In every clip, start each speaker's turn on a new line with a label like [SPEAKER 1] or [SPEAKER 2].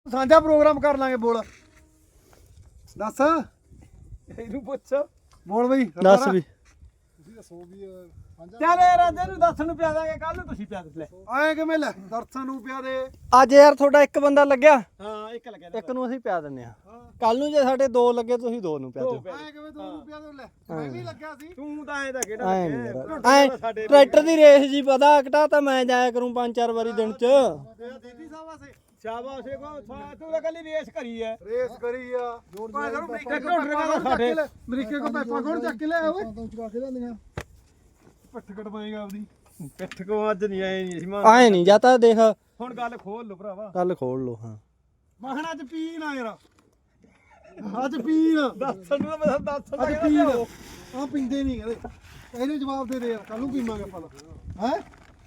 [SPEAKER 1] ਸਾਂਝਾ ਪ੍ਰੋਗਰਾਮ ਕਰ ਲਾਂਗੇ। ਬੋਲ ਦੱਸ
[SPEAKER 2] ਇਹਨੂੰ ਪੁੱਛ
[SPEAKER 1] ਬੋਲ ਬਈ
[SPEAKER 3] ਦੱਸ ਵੀ
[SPEAKER 1] ਤੁਸੀਂ ਦੱਸੋ ਵੀ
[SPEAKER 2] ਚੱਲ ਯਾਰ ਅੱਜ ਇਹਨੂੰ ਦੱਸਣ ਨੂੰ ਪਿਆ ਦਾਂਗੇ ਕੱਲ ਨੂੰ ਤੁਸੀਂ ਪਿਆ ਦੇ ਲੈ
[SPEAKER 1] ਆਏ ਕਿਵੇਂ ਲੈ ਦਰਸ਼ਨ ਨੂੰ ਪਿਆ ਦੇ।
[SPEAKER 3] ਅੱਜ ਯਾਰ ਤੁਹਾਡਾ ਇੱਕ ਬੰਦਾ ਲੱਗਿਆ,
[SPEAKER 2] ਹਾਂ ਇੱਕ ਲੱਗਿਆ
[SPEAKER 3] ਇੱਕ ਨੂੰ ਅਸੀਂ ਪਿਆ ਦਿੰਨੇ ਆ। ਕੱਲ ਨੂੰ ਜੇ ਸਾਡੇ ਦੋ ਲੱਗੇ ਤੁਸੀਂ ਦੋ ਨੂੰ ਪਿਆ ਦਿਓ।
[SPEAKER 1] ਆਏ ਕਿਵੇਂ ਤੂੰ ਨੂੰ ਪਿਆ ਦੇ ਲੈ ਮੈਂ ਵੀ ਲੱਗਿਆ ਸੀ।
[SPEAKER 2] ਤੂੰ ਤਾਂ ਐਂ ਤਾਂ ਕਿਹੜਾ
[SPEAKER 3] ਐ ਨਹੀਂ ਯਾਰ ਐ ਟਰੈਕਟਰ ਦੀ ਰੇਸ ਜੀ ਪਤਾ ਘਟਾ ਤਾਂ ਮੈਂ ਜਾਇਆ ਕਰੂੰ 5-4 ਵਾਰੀ ਦਿਨ ਚ।
[SPEAKER 1] ਦੀਦੀ ਸਾਹਿਬ ਸੇ
[SPEAKER 2] ਸ਼ਾਬਾਸ਼ ਏ ਕੋ ਤੂੰ ਤਾਂ ਕੱਲੀ ਰੇਸ ਕਰੀ ਐ
[SPEAKER 1] ਰੇਸ ਕਰੀ ਆ ਭਾਈ ਸਾਨੂੰ
[SPEAKER 2] ਇੱਕ ਢੋਲ ਸਾਡੇ
[SPEAKER 1] ਅਮਰੀਕੇ ਕੋ ਪੈਪਾ ਕੋਣ ਚੱਕ ਕੇ ਲਿਆ ਓਏ ਤੋਂ ਚੁਕਾ ਕੇ ਲਿਆਂਦੀਆਂ ਪੱਠ ਕਟਵਾਏਗਾ ਆਪਦੀ
[SPEAKER 2] ਪਿੱਠ ਕੋ ਅੱਜ ਨਹੀਂ ਆਏ ਨਹੀਂ ਅਸੀਂ
[SPEAKER 3] ਐ ਨਹੀਂ ਜਾਂ ਤਾਂ ਦੇਖ
[SPEAKER 2] ਹੁਣ ਗੱਲ ਖੋਲ ਲੋ ਭਰਾਵਾ
[SPEAKER 3] ਕੱਲ ਖੋਲ ਲੋ। ਹਾਂ
[SPEAKER 1] ਮਖਣਾ ਅੱਜ ਪੀਣ ਆ ਯਾਰ ਅੱਜ ਪੀਣ
[SPEAKER 2] ਦੱਸਣ ਨੂੰ ਤਾਂ ਦੱਸ
[SPEAKER 1] ਅੱਜ ਪੀਣ ਆ ਪੀਂਦੇ ਨਹੀਂ ਕਹਿੰਦੇ ਇਹਨੂੰ ਜਵਾਬ ਦੇ ਦੇ ਯਾਰ ਕੱਲ ਨੂੰ ਪੀਵਾਂਗੇ ਆਪਾਂ ਹੈ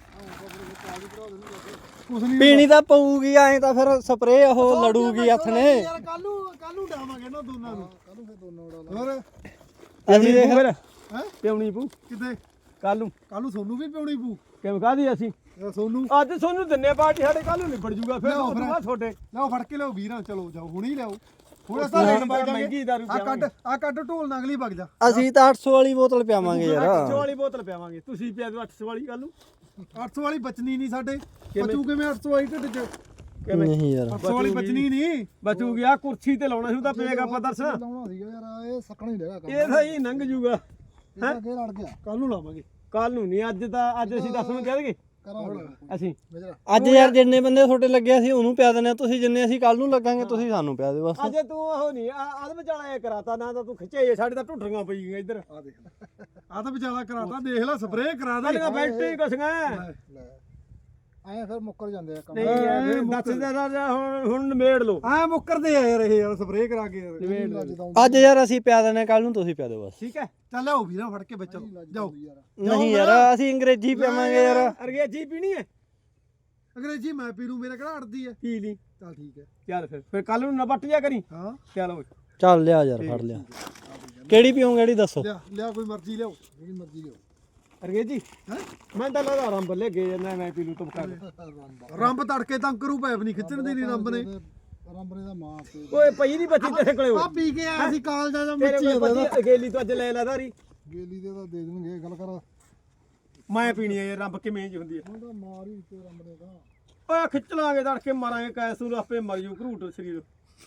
[SPEAKER 1] ਕੁਛ ਨਹੀਂ
[SPEAKER 3] ਪੀਣੀ ਤਾਂ ਪਊਗੀ ਐ ਤਾਂ ਫਿਰ ਸਪਰੇ ਉਹ ਲੜੂਗੀ ਹੱਥ ਨੇ।
[SPEAKER 1] ਯਾਰ ਕੱਲ ਨੂੰ ਡਾਵਾਂਗੇ ਨਾ ਦੋਨਾਂ ਨੂੰ ਕੱਲ ਨੂੰ ਫਿਰ ਦੋਨੋਂ ਉਡਾ ਹੋਰ
[SPEAKER 3] ਅਸੀਂ ਦੇਖ
[SPEAKER 2] ਫਿਰ
[SPEAKER 1] ਹੈ
[SPEAKER 2] ਪਿਉਣੀ ਪੂ
[SPEAKER 1] ਕਿਤੇ
[SPEAKER 2] ਕੱਲ ਨੂੰ
[SPEAKER 1] ਸੋਨੂੰ ਵੀ ਪਿਉਣੀ ਪੂ
[SPEAKER 2] ਕਿਵੇਂ ਕਾਦੀ ਅਸੀਂ
[SPEAKER 1] ਸੋਨੂੰ
[SPEAKER 2] ਅੱਜ ਸੋਨੂੰ ਦਿੰਨੇ ਪਾਰਟੀ ਸਾਡੇ ਕੱਲ ਨੂੰ ਨਿਬੜ ਜੂਗਾ ਫਿਰ
[SPEAKER 1] ਲਿਆਓ
[SPEAKER 2] ਉਹ ਤੋਂ ਬਾਅਦ ਤੁਹਾਡੇ
[SPEAKER 1] ਲਿਆਓ ਫੜ ਕੇ ਲਿਆਓ ਵੀਰਾਂ ਚਲੋ ਜਾਓ ਹੁਣੇ ਹੀ ਲਿਆਓ ਹੁਣ ਅਸਾਂ ਲੈਣ ਵਗ
[SPEAKER 2] ਮਹਿੰਗੀ ਦਾਰੂ
[SPEAKER 1] ਆ ਕੱਢ ਢੋਲ ਨਾਲ ਅਗਲੀ ਵਗ ਜਾ
[SPEAKER 3] ਅਸੀਂ ਤਾਂ 800 ਵਾਲੀ ਬੋਤਲ ਪਿਆਵਾਂਗੇ
[SPEAKER 2] 800
[SPEAKER 3] ਯਾਰ।
[SPEAKER 2] ਵਾਲੀ ਬੋਤਲ ਪਿਆਵਾਂਗੇ ਤੁਸੀਂ ਪਿਆ ਦਿਓ 800 ਵਾਲੀ ਕੱਲ ਨੂੰ
[SPEAKER 1] 800 ਵਾਲੀ ਬਚਣੀ ਨਹੀਂ ਸਾਡੇ ਬਚੂ ਕਿਵੇਂ 800 ਵਾਲੀ ਢਿੱਡ ਚ
[SPEAKER 2] ਕਿਵੇਂ
[SPEAKER 3] ਨਹੀਂ ਯਾਰ
[SPEAKER 1] 800 ਵਾਲੀ ਬਚਣੀ ਨਹੀਂ
[SPEAKER 2] ਬਚੂਗੀ ਆ ਕੁਰਸੀ ਤੇ ਲਾਉਣਾ ਸੀ ਉਹਦਾ ਪਏਗਾ ਆਪਾਂ ਦਰਸ਼ਨ
[SPEAKER 1] ਲਾਉਣਾ ਸੀਗਾ ਯਾਰ ਇਹ ਸੱਕਣਾ ਹੀ ਰਹਿਗਾ
[SPEAKER 2] ਇਹ ਤਾਂ ਹੀ ਲੰਘ ਜੂਗਾ
[SPEAKER 1] ਇਹ ਅੱਗੇ ਲੜ ਗਿਆ ਕੱਲ ਨੂੰ ਲਾਵਾਂਗੇ
[SPEAKER 2] ਕੱਲ ਨੂੰ ਨਹੀਂ ਅੱਜ ਅਸੀਂ 10 ਨੂੰ ਕਹਿ ਦਈਏ
[SPEAKER 1] ਕਰਾਂਗੇ
[SPEAKER 2] ਅਸੀਂ
[SPEAKER 3] ਅੱਜ ਯਾਰ ਜਿੰਨੇ ਬੰਦੇ ਤੁਹਾਡੇ ਲੱਗਿਆ ਸੀ ਉਹਨੂੰ ਪਿਆ ਦਿੰਨੇ ਆ, ਤੁਸੀਂ ਜਿੰਨੇ ਅਸੀਂ ਕੱਲ ਨੂੰ ਲੱਗਾਂਗੇ ਤੁਸੀਂ ਸਾਨੂੰ ਪਿਆ ਦਿਓ ਬਸ।
[SPEAKER 2] ਅਜੇ ਤੂੰ ਉਹ ਨਹੀਂ ਆਦਮ ਵਿਚਾਲਾ ਇਹ ਕਰਾਤਾ ਨਾ ਤਾਂ ਤੂੰ ਖਿੱਚੇ ਸਾਡੇ ਤਾਂ ਢੁੱਟਰੀਆਂ ਪਈ ਗਈਆਂ ਇੱਧਰ
[SPEAKER 1] ਆ ਦੇਖ ਆ ਤਾਂ ਵਿਚਾਲਾ ਕਰਾਤਾ ਦੇਖ ਲੈ ਸਪਰੇਅ ਕਰਾ ਦੇ
[SPEAKER 2] ਸਾਡੀਆਂ ਬੈਟਰੀ ਕਸੀਆਂ
[SPEAKER 1] ਐ ਫਿਰ ਮੁੱਕਰ ਜਾਂਦੇ ਆ ਕੰਮ
[SPEAKER 2] ਨਹੀਂ ਯਾਰ ਦੱਸ ਦੇ ਹੁਣ ਨਿਬੇੜ ਲਓ
[SPEAKER 1] ਐ ਮੁੱਕਰਦੇ ਆ ਯਾਰ ਇਹ ਯਾਰ ਸਪਰੇਅ ਕਰਾ ਕੇ
[SPEAKER 2] ਨਿਬੇੜ ਲਓ
[SPEAKER 3] ਅੱਜ ਯਾਰ ਅਸੀਂ ਪਿਆ ਦਿੰਨੇ ਕੱਲ ਨੂੰ ਤੁਸੀਂ ਪਿਆ ਦਿਓ ਬਸ।
[SPEAKER 2] ਠੀਕ ਹੈ
[SPEAKER 1] ਚੱਲ ਆਓ ਵੀਰਾਂ ਫੜ ਕੇ ਵਿੱਚ ਜਾਓ
[SPEAKER 3] ਨਹੀਂ ਯਾਰ ਅਸੀਂ ਅੰਗਰੇਜ਼ੀ ਪਿਆਵਾਂਗੇ ਯਾਰ।
[SPEAKER 2] ਅੰਗਰੇਜ਼ੀ ਪੀਣੀ ਹੈ
[SPEAKER 1] ਅੰਗਰੇਜ਼ੀ ਮੈਂ ਪੀ ਲੂ ਮੇਰਾ ਕਿਹੜਾ ਅੜਦੀ ਹੈ
[SPEAKER 2] ਪੀ ਲਈ
[SPEAKER 1] ਚੱਲ ਠੀਕ ਹੈ
[SPEAKER 2] ਚੱਲ ਫਿਰ ਕੱਲ ਨੂੰ ਨਾ ਵੱਟ ਜਾ ਕਰੀ
[SPEAKER 1] ਹਾਂ
[SPEAKER 2] ਚੱਲ ਓਏ
[SPEAKER 3] ਚੱਲ ਲਿਆ ਯਾਰ ਫੜ ਲਿਆ। ਕਿਹੜੀ ਪੀਓਗੇ ਕਿਹੜੀ ਦੱਸੋ।
[SPEAKER 1] ਲਿਆ ਕੋਈ ਮਰਜ਼ੀ ਲਿਆਓ ਜਿਹੜੀ ਮਰਜ਼ੀ ਲਿਆਓ
[SPEAKER 2] ਅੰਗਰੇਜ਼ੀ
[SPEAKER 1] ਹੈ
[SPEAKER 2] ਮੈਂ ਤਾਂ ਲੱਗਦਾ ਰੰਬ ਲੈ ਗਏ ਮੈਂ ਪੀ ਲੂ ਤੁਮਕਾ
[SPEAKER 1] ਰੰਬ ਤੜਕੇ ਤਾਂ ਕਰੂ ਪੈਪ ਨਹੀਂ ਖਿੱਚਣ ਦੀ ਨਹੀਂ ਰੰਬ ਨੇ
[SPEAKER 4] ਰੰਬ ਨੇ ਦਾ ਮਾਂ ਤੇ
[SPEAKER 2] ਓਏ ਪਈ ਨਹੀਂ ਬੱਚੀ ਤੇਰੇ ਕੋਲੇ
[SPEAKER 1] ਆ ਪੀ ਕੇ ਆਇਆ ਸੀ ਕਾਲਜਾਂ ਦਾ
[SPEAKER 2] ਤੇਰੇ
[SPEAKER 1] ਮੱਚੀ
[SPEAKER 2] ਕੋਲ ਬੱਚੀ ਅਕੇਲੀ ਤੂੰ ਅੱਜ ਲੈ ਲੈ ਧਾਰੀ
[SPEAKER 4] ਗੇਲੀ ਦੇ ਤਾਂ ਦੇ ਦੇਣਗੇ ਗੱਲ ਕਰ
[SPEAKER 2] ਮੈਂ ਪੀਣੀ ਹੈ ਰੰਬ ਕਿਵੇਂ ਜੀ ਹੁੰਦੀ ਹੈ
[SPEAKER 4] ਉਹਦਾ ਮਾਰ ਹੀ ਤੇ ਰੰਬ ਨੇ ਦਾ
[SPEAKER 2] ਓਏ ਖਿੱਚ ਲਾਂਗੇ ਤੜਕੇ ਮਾਰਾਂਗੇ ਕੈਸ ਨੂੰ ਆਪੇ ਮਰ ਜੂ ਘਰੂਟ ਸਰੀਰ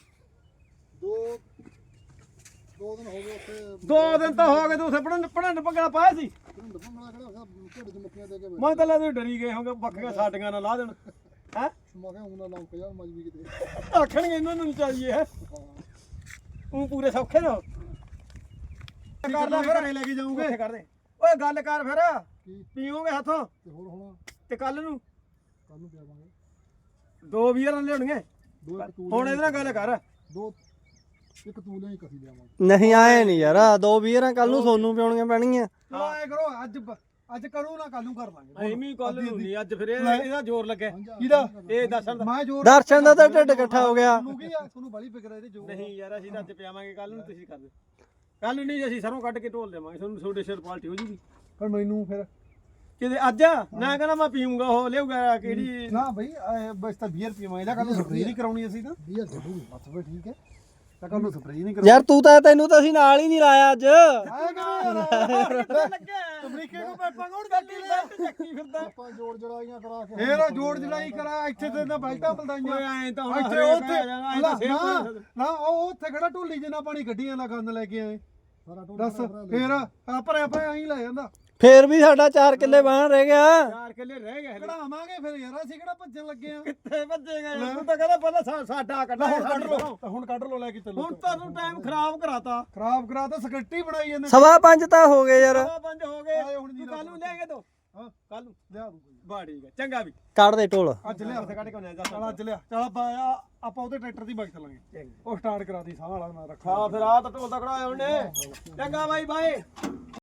[SPEAKER 4] ਦੋ ਦਿਨ ਹੋ ਗਏ ਉੱਥੇ
[SPEAKER 2] 2 ਦਿਨ ਤਾਂ ਹੋ ਗਏ ਤੂੰ ਉੱਥੇ ਪੜਨ ਪੱਗਣਾ ਪਾਇਆ ਸੀ
[SPEAKER 4] ਢਿੰਡ ਭੰਗਣਾ ਖੜਾ ਢਿੱਡ ਚ ਮੱਕੀਆਂ ਦੇ ਕੇ
[SPEAKER 2] ਮੈਂ ਤਾਂ ਲੈ ਤੂੰ ਡਰੀ ਗਏ ਹੋਗੇ ਬੱਕੀਆਂ ਸਾਡੀਆਂ ਨਾਲ ਲਾ ਦੇਣ ਹੈ
[SPEAKER 4] ਮੈਂ ਕਿਹਾ ਉਹਨਾਂ ਲੰਕ ਯਾਰ ਮਜਬੀ ਕਿਤੇ
[SPEAKER 2] ਆਖਣਗੇ ਇਹਨਾਂ ਨੂੰ ਚਾਹੀਏ ਹੈ ਤੂੰ ਪੂਰੇ ਸੌਖੇ ਨਾ ਕਰ ਲੈ ਫਿਰ
[SPEAKER 1] ਲੈ ਕੇ ਜਾਊਂਗੇ
[SPEAKER 2] ਉੱਥੇ ਕਰ ਦੇ ਓਏ ਗੱਲ ਕਰ ਫਿਰ
[SPEAKER 4] ਕੀ
[SPEAKER 2] ਪੀਓਗੇ ਹੱਥੋਂ
[SPEAKER 4] ਤੇ ਹੋਰ ਹੁਣ
[SPEAKER 2] ਤੇ ਕੱਲ ਨੂੰ
[SPEAKER 4] ਕੱਲ ਨੂੰ ਪਿਆਵਾਂਗੇ
[SPEAKER 2] 2 ਵੀਰਾਂ ਲਿਆਉਣਗੇ
[SPEAKER 4] ਦੋ ਇੱਕ ਤੂੰ
[SPEAKER 2] ਹੁਣ ਇਹਦੇ ਨਾਲ ਗੱਲ ਕਰ
[SPEAKER 4] ਦੋ ਇੱਕ ਤੂੰ ਲਿਆ ਕਸੀ ਲਿਆਵਾਂਗੇ
[SPEAKER 3] ਨਹੀਂ ਆਏ ਨਹੀਂ ਯਾਰ 2 ਵੀਰਾਂ ਕੱਲ ਨੂੰ ਸੋਨੂੰ ਪਿਉਣੀਆਂ ਪੈਣਗੀਆਂ।
[SPEAKER 1] ਚਲੋ ਐ ਕਰੋ ਅੱਜ ਕਰੋ ਨਾ ਕੱਲ ਨੂੰ ਕਰ ਲਾਂਗੇ
[SPEAKER 2] ਐਵੇਂ ਕੱਲ ਨੂੰ ਨਹੀਂ ਅੱਜ ਫਿਰ ਇਹਦਾ ਜ਼ੋਰ ਲੱਗੇ
[SPEAKER 1] ਕਿਹਦਾ
[SPEAKER 2] ਇਹ ਦੱਸਣ ਦਾ
[SPEAKER 1] ਮੈਂ ਜੋਰ
[SPEAKER 3] ਦਰਸ਼ਨ ਦਾ ਤਾਂ ਢਿੱਡ ਇਕੱਠਾ ਹੋ ਗਿਆ।
[SPEAKER 1] ਤੁਹਾਨੂੰ ਕੀ ਆ ਤੁਹਾਨੂੰ ਬੜੀ ਫਿਕਰ ਹੈ ਇਹਦੇ ਜੋਰ
[SPEAKER 2] ਨਹੀਂ ਯਾਰ ਅਸੀਂ ਤਾਂ ਅੱਜ ਪਿਆਵਾਂਗੇ ਕੱਲ ਨੂੰ ਤੁਸੀਂ ਕਰ ਦਿਓ ਕੱਲ ਨੂੰ ਨਹੀਂ ਅਸੀਂ ਸਰੋਂ ਕੱਢ ਕੇ ਢੋਲ ਦੇਵਾਂਗੇ ਤੁਹਾਨੂੰ ਤੁਹਾਡੇ ਸਿਰ ਪਾਲਟੀ ਹੋ ਜੂਗੀ
[SPEAKER 1] ਪਰ ਮੈਨੂੰ ਫਿਰ
[SPEAKER 2] ਕਿਤੇ ਅੱਜ ਨਾ ਕਹਿੰਦਾ ਮੈਂ ਪੀਊਂਗਾ ਉਹ ਲਿਆਊਗਾ ਕਿਹੜੀ
[SPEAKER 1] ਨਾ ਬਈ ਬਸ ਤਾਂ 20 ਰੁਪਏ ਮੈਂ ਇਹਦਾ ਕੱਲ ਨੂੰ ਸਪਰੇਅ ਨਹੀਂ ਕਰਾਉਣੀ ਅਸੀਂ ਤਾਂ
[SPEAKER 4] 20 ਜ਼ਰੂਰ ਬਸ ਫਿਰ ਠੀਕ ਹੈ
[SPEAKER 1] ਤਾਂ ਕੱਲ ਨੂੰ ਸਪਰੇਅ ਨਹੀਂ ਕਰਾਉਣੀ
[SPEAKER 3] ਯਾਰ ਤੈਨੂੰ ਤਾਂ ਅਸੀਂ ਨਾਲ ਹੀ ਨਹੀਂ ਲਾਇਆ ਅੱਜ।
[SPEAKER 1] ਆਏ ਕਿਵੇਂ ਅਮਰੀਕੇ ਕੋ ਪੈਪਾ ਕੋਣ
[SPEAKER 2] ਚੱਕੀ ਫਿਰਦਾ
[SPEAKER 4] ਆਪਾਂ ਜੋੜ ਜੜਾਈਆਂ ਕਰਾ ਕੇ
[SPEAKER 1] ਫੇਰ ਜੋੜ ਜੜਾਈ ਕਰਾ ਇੱਥੇ ਤੇ ਨਾ ਬੈਲਟਾਂ
[SPEAKER 2] ਓਏ
[SPEAKER 1] ਬਲਦਾਈਆਂ
[SPEAKER 2] ਐਂ ਤਾਂ ਹੁਣ
[SPEAKER 1] ਇੱਥੇ
[SPEAKER 2] ਹਰੇਕ
[SPEAKER 1] ਉੱਥੇ
[SPEAKER 2] ਆ ਜਾਣਾ, ਐਂ ਤਾਂ ਸੇਬ
[SPEAKER 1] ਨਾ ਉਹ ਉੱਥੇ ਖੜਾ ਢੋਲੀ ਜਿੰਨਾ ਪਾਣੀ ਗੱਡੀਆਂ ਦਾ ਗੰਦ ਲੈ ਕੇ ਆਏ
[SPEAKER 4] ਸਾਰਾ ਟੋਲ
[SPEAKER 1] ਦੱਸ ਫੇਰ ਆ ਭਰਿਆ ਐਂ ਲੈ ਜਾਂਦਾ
[SPEAKER 3] ਫੇਰ ਵੀ ਸਾਡਾ 4 ਕਿੱਲੇ ਬਾਹਰ ਰਹਿ ਗਿਆ।
[SPEAKER 2] 4 ਕਿੱਲੇ ਰਹਿ ਗਏ ਹਲੇ
[SPEAKER 1] ਕਢਾਵਾਂਗੇ ਫਿਰ ਯਾਰ ਅਸੀਂ ਕਿਹੜਾ ਭੱਜਣ ਲੱਗੇ ਆ
[SPEAKER 2] ਕਿੱਥੇ ਭੱਜੇਗਾ ਯਾਰ ਤੂੰ ਤਾਂ ਕਹਿੰਦਾ ਪਹਿਲਾਂ ਸਾਡਾ ਕੱਢਾ
[SPEAKER 1] ਹੁਣ ਕੱਢ ਲੋ ਹੁਣ ਕੱਢ ਲੋ ਲੈ ਕੇ ਚੱਲੋ
[SPEAKER 2] ਹੁਣ ਤੁਹਾਨੂੰ ਟਾਈਮ ਖਰਾਬ ਕਰਾਤਾ
[SPEAKER 1] ਖਰਾਬ ਕਰਾ ਤਾਂ ਸਕੱਟੀ ਬਣਾਈ ਜਾਂਦੇ
[SPEAKER 3] 5:15 ਤਾਂ ਹੋ ਗਏ ਯਾਰ।
[SPEAKER 2] 5 ਹੋ ਗਏ
[SPEAKER 1] ਆਏ ਹੁਣ ਜੀ
[SPEAKER 2] ਤੂੰ ਕੱਲ ਨੂੰ ਲੈ ਕੇ ਦੋ
[SPEAKER 1] ਹਾਂ
[SPEAKER 2] ਕੱਲ ਨੂੰ
[SPEAKER 1] ਲਿਆ ਦੂੰ
[SPEAKER 2] ਬਾ ਠੀਕ ਹੈ ਚੰਗਾ ਵੀ
[SPEAKER 3] ਕੱਢ ਦੇ ਢੋਲ।
[SPEAKER 1] ਅੱਜ ਲਿਆ
[SPEAKER 2] ਉੱਥੇ ਕੱਢ ਕੇ ਆਉਣਾ
[SPEAKER 1] ਚੱਲ ਅੱਜ ਲਿਆ ਚੱਲ ਆਪਾਂ ਉਹਦੇ ਟਰੈਕਟਰ ਦੀ ਬਾਈਕ ਚੱਲਾਂਗੇ ਉਹ ਸਟਾਰਟ ਕਰਾ ਦੀ ਸਾਹ ਵਾਲਾ ਮੈਂ ਰੱਖਾ
[SPEAKER 2] ਹਾਂ ਫਿਰ ਆ ਤਾਂ ਢੋਲ ਤਕੜਾ ਆਇਆ ਉਹਨੇ ਚੰਗਾ ਬਾਈ ਬਾਈ